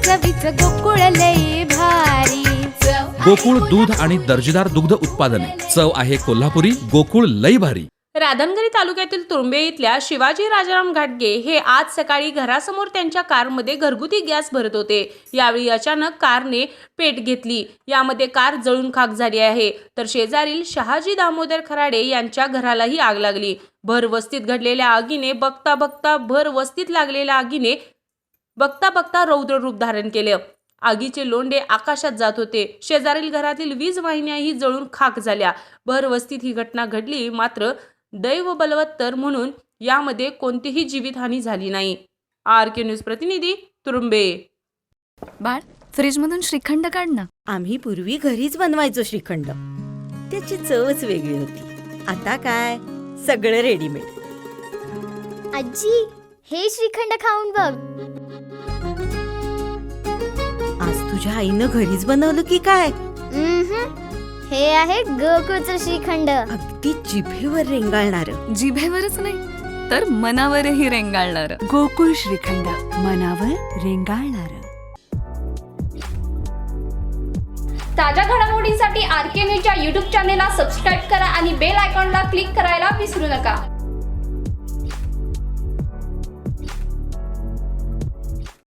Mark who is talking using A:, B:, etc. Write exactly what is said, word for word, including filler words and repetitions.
A: चवीच गोकुळ लई भारी।
B: गोकुळ दूध आणि दर्जेदार दुग्ध उत्पादने, चव आहे कोल्हापुरी, गोकुळ लई भारी।
C: राधानगरी तालुक्यातील तुरुंबे इथल्या शिवाजी राजाराम घाटगे हे आज सकाळी घरासमोर त्यांच्या कारमध्ये घरगुती गॅस भरत होते। यावेळी अचानक कारने पेट घेतली, यामध्ये कार जळून खाक झाली आहे। तर शेजारील शहाजी दामोदर खराडे यांच्या घरालाही आग लागली। भर वस्तीत घडलेल्या आगीने बघता बघता भर वस्तीत लागलेल्या आगीने बघता बघता रौद्र रूप धारण केले। आगीचे लोंढे आकाशात जात होते। शेजारील घरातील वीज वाहिन्याही जळून खाक झाल्या। भर वस्तीत ही घटना घडली, मात्र दैव बलवत्तर म्हणून यामध्ये कोणतीही जीवितहानी झाली नाही। आर के न्यूज प्रतिनिधी तुरुंबे।
D: बाळ, फ्रीज मधून श्रीखंड काढ ना।
E: आम्ही पूर्वी घरीच बनवायचो श्रीखंड, त्याची चवच वेगळी होती। आता काय सगळं रेडीमेड।
F: आजी, हे श्रीखंड खाऊन बघ।
E: आज तुझ्या आईनं घरीच बनवलं की काय?
F: हे आहे गोकुळचं श्रीखंड।
E: अगदी जिभेवर रेंगाळणार।
D: जिभेवरच नाही तर मनावरही रेंगाळणार।
G: गोकुळ श्रीखंड, मनावर रेंगाळणार।
H: ताज्या घडामोडींसाठी आर के न्यूजच्या यूट्यूब चॅनेलला सबस्क्राईब करा आणि बेल आयकॉनला क्लिक करायला विसरू नका।